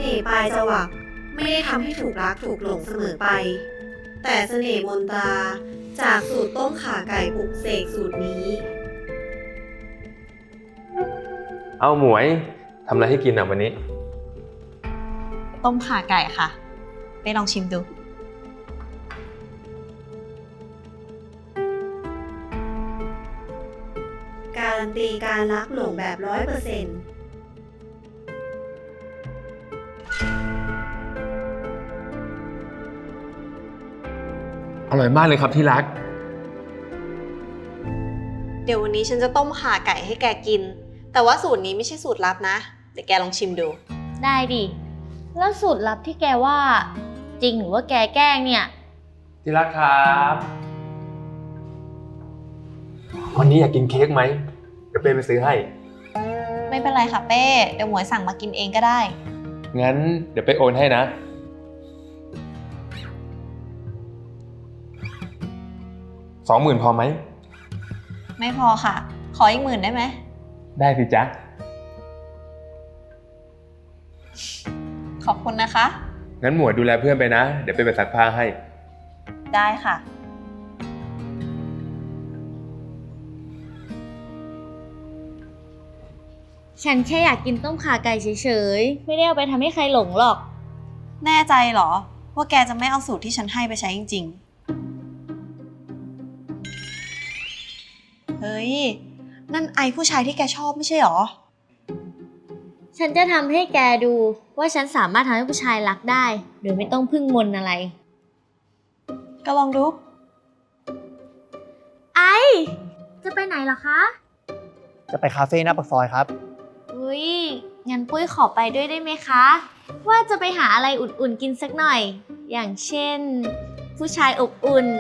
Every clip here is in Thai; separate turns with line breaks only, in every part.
น่ห์ปลายจวักไม่ได้ทำให้ถูกรักถูกหลงเสมอไป แต่เสน่ห์มนตราจากสูตรต้มข่าไก่ปลุกเสกสูตรนี้
เอาหมวยทำอะไรให้กินอ่ะวันนี้
ต้มข่าไก่ค่ะไปลองชิมดู
การันตีการรักหลงแบบ100%
อร่อยมากเลยครับที่รัก
เดี๋ยววันนี้ฉันจะต้มข่าไก่ให้แกกิน แต่ว่าสูตรนี้ไม่ใช่สูตรลับนะ เดี๋ยวแกลองชิมดู
ได้ดิ แล้วสูตรลับที่แกว่าจริงหรือว่าแกแกล้งเนี่ย
ที่รักครับวันนี้อยากกินเค้กไหมเดี๋ยวเป้ไปซื้อให้
ไม่เป็นไรค่ะเป้ เดี๋ยวหมวยสั่งมากินเองก็ได้
งั้นเดี๋ยวไปโอนให้นะ 20,000พอไหม
ไม่พอค่ะ ขออีก10,000ได้ไหม
ได้สิจ๊ะ
ขอบคุณนะคะ
งั้นหมวยดูแลเพื่อนไปนะ เดี๋ยวไปซักผ้าให้
ได้ค่ะ
ฉันแค่อยากกินต้มข่าไก่เฉยๆ ไม่ได้เอาไปทำให้ใครหลงหรอก
แน่ใจเหรอ ว่าแกจะไม่เอาสูตรที่ฉันให้ไปใช้จริงๆ เฮ้ย นั่นไอผู้ชายที่แกชอบไม่ใช่หรอ
ฉันจะทำให้แกดูว่าฉันสามารถทำให้ผู้ชายรักได้ โดยไม่ต้องพึ่งมนต์อะไร
ก็ลองดู
ไอ จะไปไหนเหรอคะ
จะไปคาเฟ่หน้าปากซอยครับ
อุ้ย งั้นปุ้ยขอไปด้วยได้ไหมคะ ว่าจะไปหาอะไรอุ่นๆกินสักหน่อย อย่างเช่น ผู้ชายอบอุ่น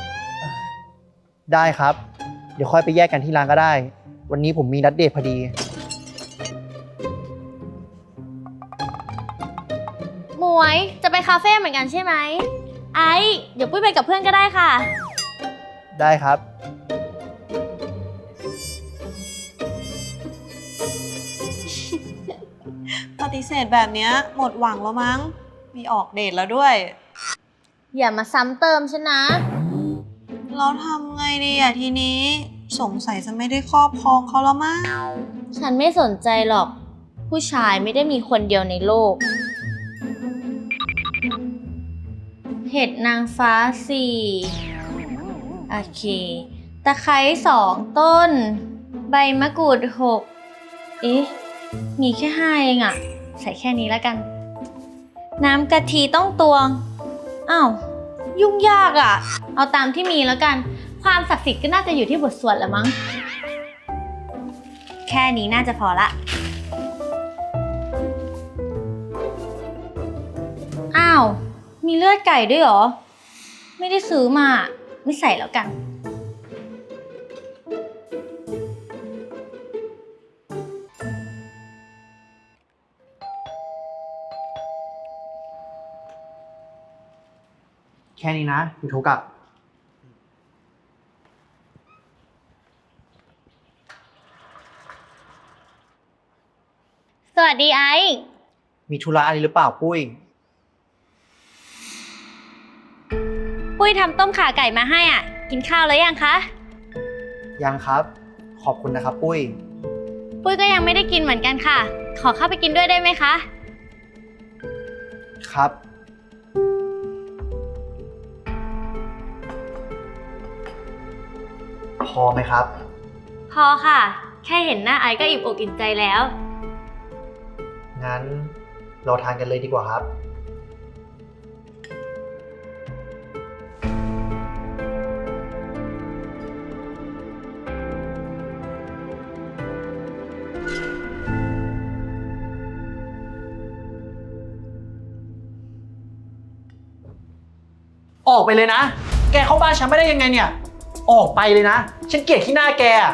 ได้ครับ เดี๋ยวค่อยไปแยกกันที่ร้านก็ได้ วันนี้ผมมีนัดเดทพอดี
หมวยจะไปคาเฟ่เหมือนกันใช่ไหม ไอ เดี๋ยวปุ้ยไปกับเพื่อนก็ได้ค่ะ
ได้ครับ
ปฏิเสธแบบเนี้ยหมดหวังแล้วมั้ง มีออกเดทแล้วด้วย
อย่ามาซ้ำเติมฉันนะ
เราทำไงดีอะทีนี้ สงสัยจะไม่ได้ครอบครองเขาแล้วมั้ง
ฉันไม่สนใจหรอก ผู้ชายไม่ได้มีคนเดียวในโลก เห็ดนางฟ้า4โอเค ตะไคร้2 ต้น ใบมะกรูด6 เอ๊ะ มีแค่5เองอะใส่แค่นี้แล้วกัน น้ำกะทิต้องตวง อ้าว ยุ่งยากอะเอาตามที่มีแล้วกัน ความศักดิ์สิทธิ์ก็น่าจะอยู่ที่บทสวดละมั้ง แค่นี้น่าจะพอละ อ้าว มีเลือดไก่ด้วยเหรอ ไม่ได้ซื้อมา ไม่ใส่แล้วกัน
แค่นี้นะอยู่โทรกลับ
สวัสดีไอซ์
มีธุระอะไรหรือเปล่าปุ้ย
ปุ้ยทำต้มข่าไก่มาให้อ่ะ กินข้าวแล้วยังคะ
ยังครับ ขอบคุณนะครับปุ้ย
ปุ้ยก็ยังไม่ได้กินเหมือนกันค่ะ ขอเข้าไปกินด้วยได้ไหมคะ
ครับ พอไหมครับ
พอค่ะ แค่เห็นหน้าไอซ์ก็อิ่มอกอิ่มใจแล้ว
งั้นเราทานกันเลยดีกว่าครับ ออกไปเลยนะ แกเข้าบ้านฉันไม่ได้ยังไงเนี่ย ออกไปเลยนะ ฉันเกลียดที่หน้าแกอะ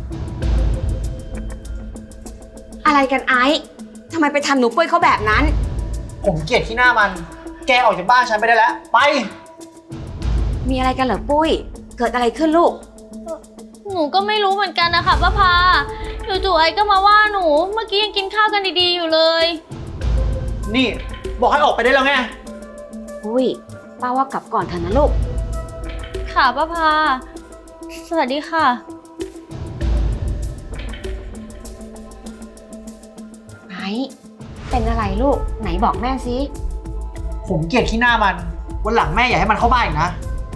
อะไรกันไอซ์ทำไมไปทำหนูปุ้ยเขาแบบนั้น
ผมเกลียดที่หน้ามัน แกออกจากบ้านฉันไปได้แล้ว ไป
มีอะไรกันเหรอปุ้ย เกิดอะไรขึ้นลูก
หนูก็ไม่รู้เหมือนกันนะคะป้าพาจู่ๆไอซ์ก็มาว่าหนู เมื่อกี้ยังกินข้าวกันดีๆอยู่เลย
นนี่ บอกให้ออกไปได้แล้วไง
ปุ้ยป้าว่ากลับก่อนเถอะนะลูก
ค่ะป้าพา สวัสดีค่ะ
ไอ้เป็นอะไรลูก ไหนบอกแม่สิ
ผมเกลียดขี้หน้ามัน วันหลังแม่อย่าให้มันเข้าบ้านอีกนะ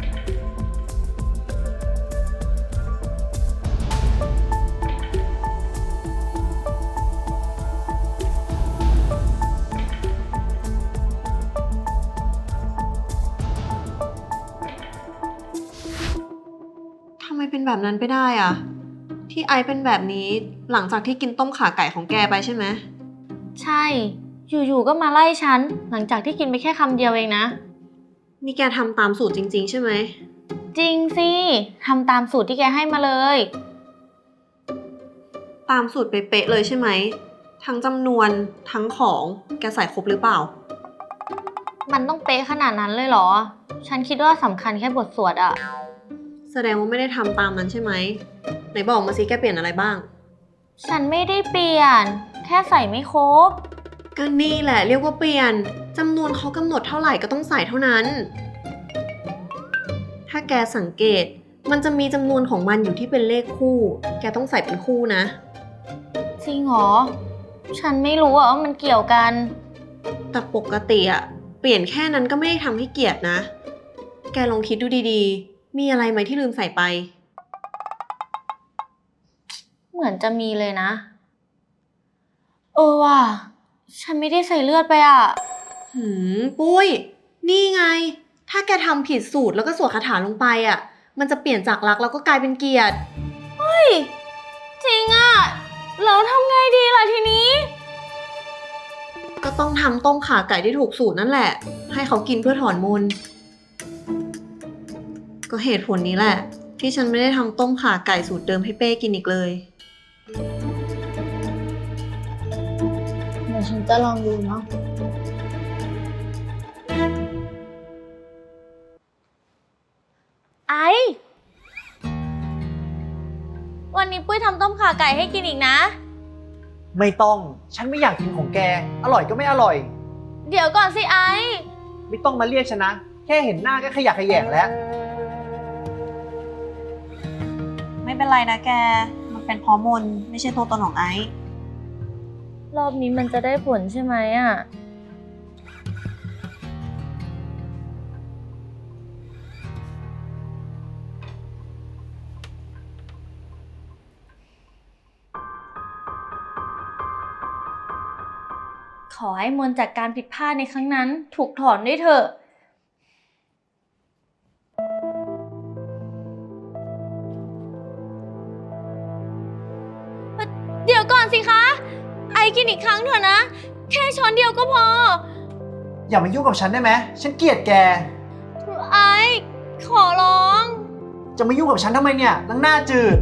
ทำไมเป็นแบบนั้นไปได้อะที่ไอซ์เป็นแบบนี้หลังจากที่กินต้มข่าไก่ของแกไปใช่ไหม
ใช่ อยู่ๆก็มาไล่ฉัน หลังจากที่กินไปแค่คำเดียวเองนะ
นี่แกทำตามสูตรจริงๆใช่ไหม
จริงสิทำตามสูตรที่แกให้มาเลย
ตามสูตรเป๊ะๆเลยใช่ไหม ทั้งจำนวนทั้งของแกใส่ครบหรือเปล่า
มันต้องเป๊ะขนาดนั้นเลยเหรอ ฉันคิดว่าสำคัญแค่บทสวดอะ
แสดงว่าไม่ได้ทำตามนั้นใช่ไหม ไหนบอกมาสิแกเปลี่ยนอะไรบ้าง
ฉันไม่ได้เปลี่ยน แค่ใส่ไม่ครบ
ก็นี่แหละเรียกว่าเปลี่ยนจำนวนเขากำหนดเท่าไหร่ก็ต้องใส่เท่านั้น ถ้าแกสังเกตมันจะมีจำนวนของมันอยู่ที่เป็นเลขคู่ แกต้องใส่เป็นคู่นะ
จริงเหรอ ฉันไม่รู้อะว่ามันเกี่ยวกัน
แต่ปกติอะเปลี่ยนแค่นั้นก็ไม่ได้ทำให้เกลียดนะ แกลองคิดดูดีๆ มีอะไรไหมที่ลืมใส่ไป
เหมือนจะมีเลยนะ ว่ะ ฉันไม่ได้ใส่เลือดไปอะ
ปุ้ย นี่ไง ถ้าแกทำผิดสูตรแล้วก็สวดคาถาลงไปอะมันจะเปลี่ยนจากรักแล้วก็กลายเป็นเกลียด
จริงอะแล้วทำไงดีล่ะทีนี้
ก็ต้องทำต้มข่าไก่ที่ถูกสูตรนั่นแหละ ให้เขากินเพื่อถอนมนต์ก็เหตุผลนี้แหละ ที่ฉันไม่ได้ทำต้มข่าไก่สูตรเดิมให้เป้กินอีกเลย
เดี๋ยวฉันจะลองดูเนาะ ไอ วันนี้ปุ้ยทำต้มข่าไก่ให้กินอีกนะ
ไม่ต้อง ฉันไม่อยากกินของแก อร่อยก็ไม่อร่อย
เดี๋ยวก่อนสิไอ
ไม่ต้องมาเรียกฉันนะ แค่เห็นหน้าก็ขยะแขยงแล้ว
ไม่เป็นไรนะแก มันเป็นเพราะมนต์ไม่ใช่ตัวตนของไอซ์
รอบนี้มันจะได้ผลใช่ไหมอ่ะ ขอให้มนต์จากการผิดพลาดในครั้งนั้นถูกถอนด้วยเถอะ เดี๋ยวก่อนสิคะ ไอกินอีกครั้งเถอะนะ แค่ช้อนเดียวก็พอ
อย่ามายุ่งกับฉันได้ไหม ฉันเกลียดแก
ไอขอร้อง
จะมายุ่งกับฉันทำไมเนี่ยนางหน้าจืด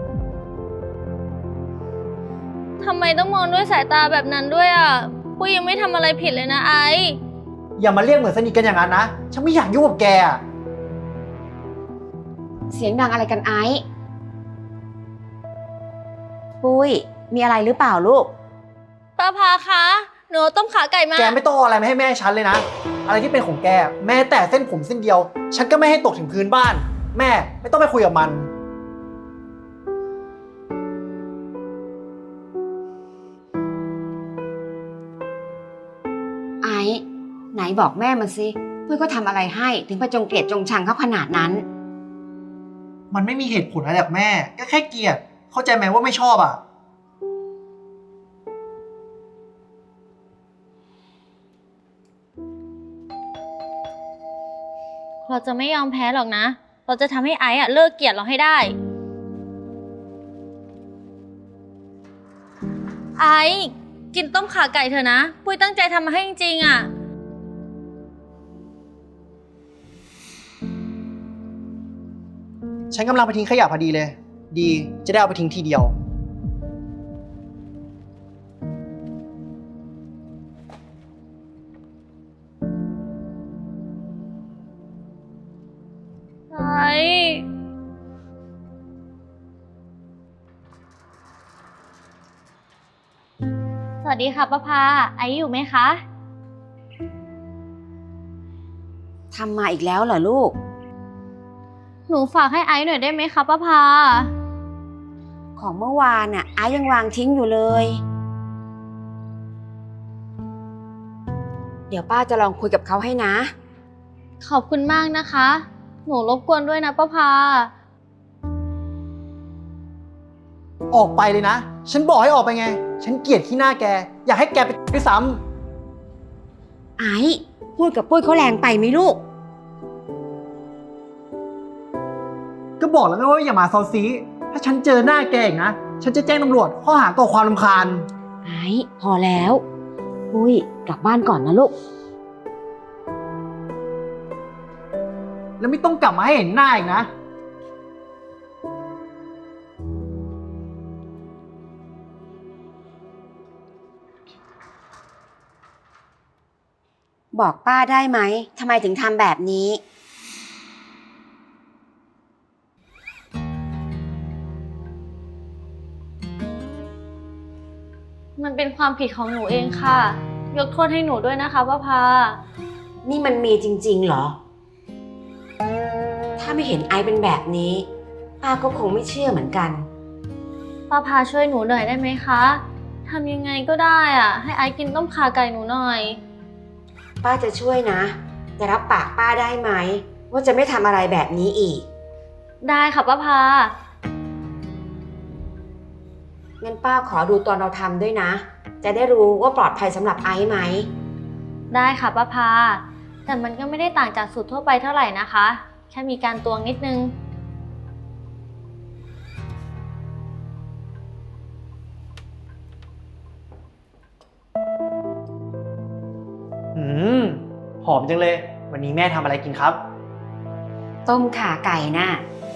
ทำไมต้องมองด้วยสายตาแบบนั้นด้วยอ่ะปุ้ยยังไม่ทำอะไรผิดเลยนะไอ
อย่ามาเรียกเหมือนสนิทกันอย่างนั้นนะ ฉันไม่อยากยุ่งกับแกอะ
เสียงดังอะไรกันไอ้ปุ้ย มีอะไรหรือเปล่าลูก
ป้าพาคะหนูเอาต้มขาไก่มา
แกไม่ต้องเอาอะไรมาให้แม่ฉันเลยนะ อะไรที่เป็นของแก แม้แต่เส้นผมเส้นเดียว ฉันก็ไม่ให้ตกถึงพื้นบ้าน แม่ไม่ต้องไปคุยกับมัน
ไอ้ไหนบอกแม่มาสิปุ้ยก็ทำอะไรให้ถึงไปจงเกลียดจงชังเขาขนาดนั้น
มันไม่มีเหตุผลอะไรจากแม่ ก็แค่เกลียด เข้าใจไหมว่าไม่ชอบอ่ะ
เราจะไม่ยอมแพ้หรอกนะ เราจะทำให้ไอซ์อะเลิกเกลียดเราให้ได้ ไอซ์กินต้มขาไก่เถอะนะ ปุ้ยตั้งใจทำมาให้จริงๆอ่ะ
ฉันกำลังไปทิ้งขยะพอดีเลย ดีจะได้เอาไปทิ้งทีเดียว
ไอซ์สวัสดีค่ะป้าพา ไอซ์อยู่ไหมคะ
ทำมาอีกแล้วเหรอลูก
หนูฝากให้ไอซ์หน่อยได้ไหมคะป้าพา
ของเมื่อวานน่ะไอ้ยังวางทิ้งอยู่เลย เดี๋ยวป้าจะลองคุยกับเขาให้นะ
ขอบคุณมากนะคะ หนูรบกวนด้วยนะป้าพา
ออกไปเลยนะ ฉันบอกให้ออกไปไง ฉันเกลียดขี้หน้าแก อยากให้แกไปด้วยซ้
ไอ้พูดกับปุ้ยเขาแรงไปไหมลูก
ำก็บอกแล้วไงว่าอย่ามาเซาซี ถ้าฉันเจอหน้าแกอีกนะ ฉันจะแจ้งตำรวจข้อหาก่อความรำคาญ
ไอ้พอแล้วปุ้ยกลับบ้านก่อนนะลูก
แล้วไม่ต้องกลับมาให้เห็นหน้าอีกนะ
บอกป้าได้ไหมทำไมถึงทำแบบนี้
มันเป็นความผิดของหนูเองค่ะ ยกโทษให้หนูด้วยนะคะป้าพา
นี่มันมีจริงๆเหรอ ถ้าไม่เห็นไอเป็นแบบนี้ ป้าก็คงไม่เชื่อเหมือนกัน
ป้าพาช่วยหนูหน่อยได้ไหมคะทำยังไงก็ได้อะให้ไอซ์กินต้มข่าไก่หนูหน่อย
ป้าจะช่วยนะแต่รับปากป้าได้ไหมว่าจะไม่ทำอะไรแบบนี้อีก
ได้ค่ะป้าพา
งั้นป้าขอดูตอนเราทำด้วยนะ จะได้รู้ว่าปลอดภัยสำหรับไอซ์ไหม
ได้ค่ะป้าพา แต่มันก็ไม่ได้ต่างจากสูตรทั่วไปเท่าไหร่นะคะ แค่มีการตวงนิดนึง
อืม หอมจังเลย วันนี้แม่ทำอะไรกินครับ
ต้มข่าไก่น่ะ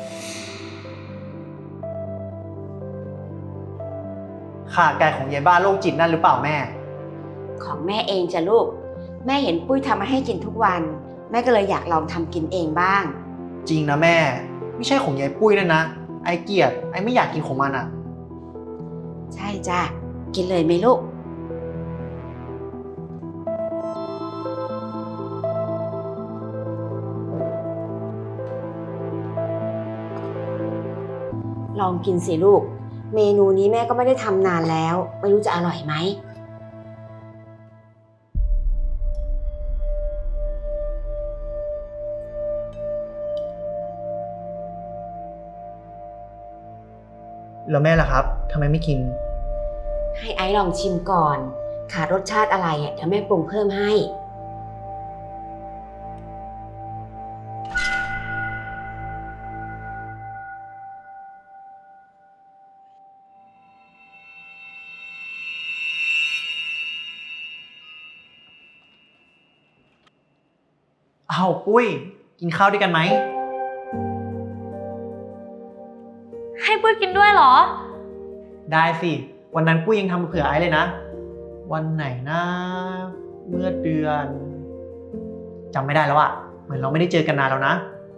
ข่าไก่ของยายบ้าโรคจิตนั่นหรือเปล่าแม่
ของแม่เองจ้ะลูก แม่เห็นปุ้ยทำมาให้กินทุกวัน แม่ก็เลยอยากลองทำกินเองบ้าง
จริงนะแม่ ไม่ใช่ของยายปุ้ยนั่นนะ ไอเกลียด ไอไม่อยากกินของมันอ่ะ
ใช่จ้ะกินเลยไหมลูก ลองกินสิลูก เมนูนี้แม่ก็ไม่ได้ทำนานแล้ว ไม่รู้จะอร่อยไหม
แล้วแม่ล่ะครับทำไมไม่กิน
ให้ไอซ์ลองชิมก่อน ขาดรสชาติอะไรเดี๋ยวแม่ปรุงเพิ่มให้
อ้าวปุ้ย กินข้าวด้วยกันไหม
ให้ปุ้ยกินด้วยเหรอ
ได้สิ วันนั้นปุ้ยยังทำเผื่อไอซ์เลยนะ วันไหนนะเมื่อเดือนจำไม่ได้แล้วอะเหมือนเราไม่ได้เจอกันนานแล้วนะ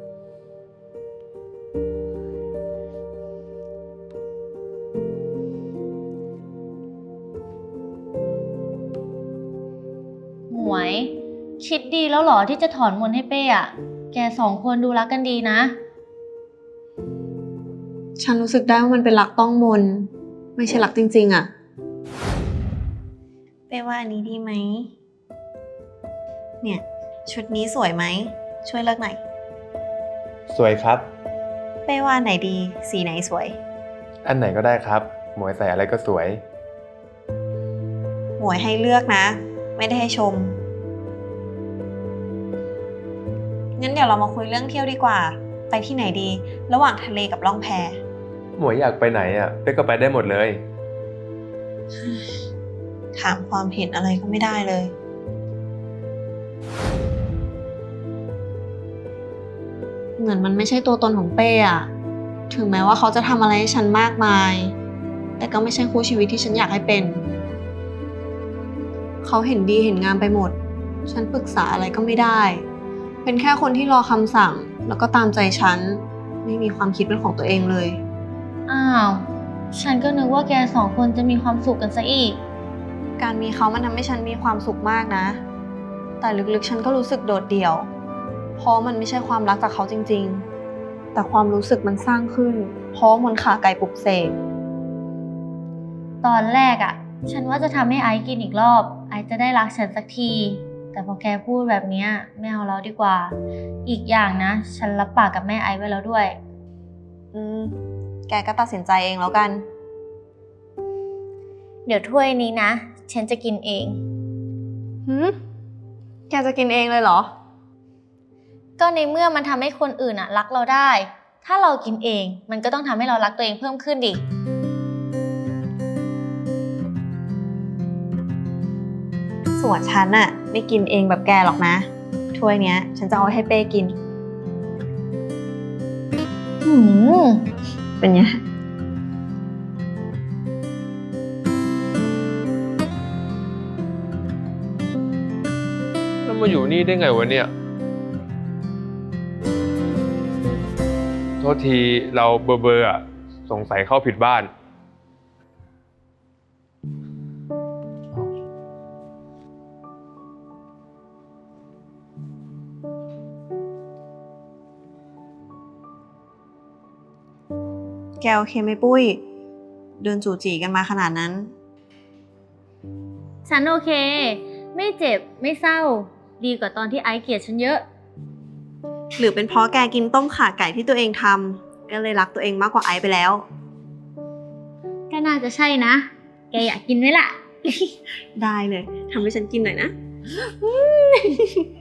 หมวย คิดดีแล้วเหรอที่จะถอนมนต์ให้เป้อะแกสองคนดูรักกันดีนะ
ฉันรู้สึกได้ว่ามันเป็นรักต้องมน ไม่ใช่รักจริงๆอะ
เป้ว่าอันนี้ดีไหม เนี่ย ชุดนี้สวยไหม ช่วยเลือกหน่อย
สวยครับ
เป้ว่าอันไหนดี สีไหนสวย
อันไหนก็ได้ครับ หมวยใส่อะไรก็สวย
หมวยให้เลือกนะ ไม่ได้ให้ชม งั้นเดี๋ยวเรามาคุยเรื่องเที่ยวดีกว่า ไปที่ไหนดี ระหว่างทะเลกับล่องแพ
หมวยอยากไปไหนอ่ะเป๊กก็ไปได้หมดเลย
ถามความเห็นอะไรก็ไม่ได้เลย
เหมือนมันไม่ใช่ตัวตนของเป้อะถึงแม้ว่าเขาจะทำอะไรให้ฉันมากมาย แต่ก็ไม่ใช่คู่ชีวิตที่ฉันอยากให้เป็น เขาเห็นดีเห็นงามไปหมด ฉันปรึกษาอะไรก็ไม่ได้ เป็นแค่คนที่รอคำสั่ง แล้วก็ตามใจฉัน ไม่มีความคิดเป็นของตัวเองเลย
อ้าว ฉันก็นึกว่าแกสองคนจะมีความสุขกันซะอีก
การมีเขามันทำให้ฉันมีความสุขมากนะแต่ลึกๆฉันก็รู้สึกโดดเดี่ยว เพราะมันไม่ใช่ความรักจากเขาจริงๆ แต่ความรู้สึกมันสร้างขึ้น เพราะมนต์ขาไก่ปลุกเสก
ตอนแรกอะฉันว่าจะทำให้ไอซ์กินอีกรอบ ไอซ์จะได้รักฉันสักที แต่พอแกพูดแบบเนี้ยไม่เอาแล้วดีกว่า อีกอย่างนะ ฉันรับปากกับแม่ไอซ์ไว้แล้วด้วย
แกก็ตัดสินใจเองแล้วกัน
เดี๋ยวถ้วยนี้นะ ฉันจะกินเอง
แกจะกินเองเลยเหรอ
ก็ในเมื่อมันทำให้คนอื่นอะรักเราได้ ถ้าเรากินเองมันก็ต้องทำให้เรารักตัวเองเพิ่มขึ้นดิ
ส่วนฉันน่ะไม่กินเองแบบแกหรอกนะ ถ้วยเนี้ย ฉันจะเอาให้เป้กิน เป็นไง
แล้วมาอยู่นี่ได้ไงวะเนี่ย โทษทีเราเบอร์อ่ะ สงสัยเข้าผิดบ้าน
แกโอเคไหมปุ้ย เดินจู่จีกันมาขนาดนั้น
ฉันโอเค ไม่เจ็บไม่เศร้า ดีกว่าตอนที่ไอซ์เกลียดฉันเยอะ
หรือเป็นเพราะแกกินต้มข่าไก่ที่ตัวเองทำก็เลยรักตัวเองมากกว่าไอซ์ไปแล้ว
ก็น่าจะใช่นะ แกอยากกินไหมล่ะ
ได้เลยทำให้ฉันกินหน่อยนะ